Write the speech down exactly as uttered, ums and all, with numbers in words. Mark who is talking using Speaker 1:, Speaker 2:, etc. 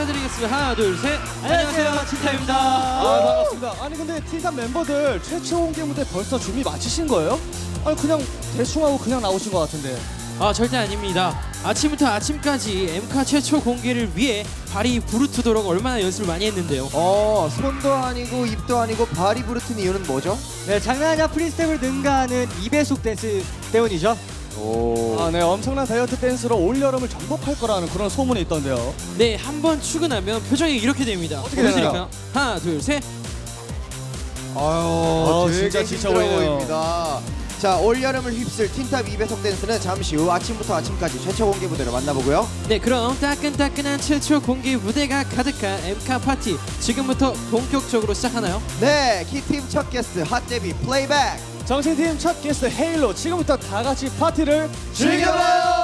Speaker 1: 인사드리겠습니다. 하나, 둘, 셋. 안녕하세요, 틴탑입니다.
Speaker 2: 아, 반갑습니다. 아니 근데 틴탑 멤버들 최초 공개 무대 벌써 준비 마치신 거예요? 아니 그냥 대충 하고 그냥 나오신 것 같은데.
Speaker 1: 아, 절대 아닙니다. 아침부터 아침까지 엠카 최초 공개를 위해 발이 부르트도록 얼마나 연습을 많이 했는데요.
Speaker 3: 어, 손도 아니고 입도 아니고 발이 부르튼 이유는 뭐죠?
Speaker 4: 네, 장난하냐 프리스텝을 능가하는 이 배속 댄스 때문이죠.
Speaker 3: 오.
Speaker 2: 아, 네, 엄청난 다이어트 댄스로 올 여름을 정복할 거라는 그런 소문이 있던데요.
Speaker 1: 네, 한 번 출근하면 표정이 이렇게 됩니다.
Speaker 2: 어떻게 되나요?
Speaker 1: 보여드릴까요? 하나, 둘, 셋.
Speaker 3: 아유, 되게
Speaker 2: 진짜 지쳐
Speaker 3: 힘들어
Speaker 2: 보이네요.
Speaker 3: 보입니다. 자, 올 여름을 휩쓸 틴탑 이 배속 댄스는 잠시 후 아침부터 아침까지 최초 공개 무대를 만나보고요.
Speaker 1: 네, 그럼 따끈따끈한 최초 공개 무대가 가득한 엠카 파티 지금부터 본격적으로 시작하나요?
Speaker 3: 네, 키팀 첫 게스트 핫 데뷔 플레이백.
Speaker 2: 정신팀 첫 게스트 헤일로 지금부터 다 같이 파티를
Speaker 3: 즐겨봐요.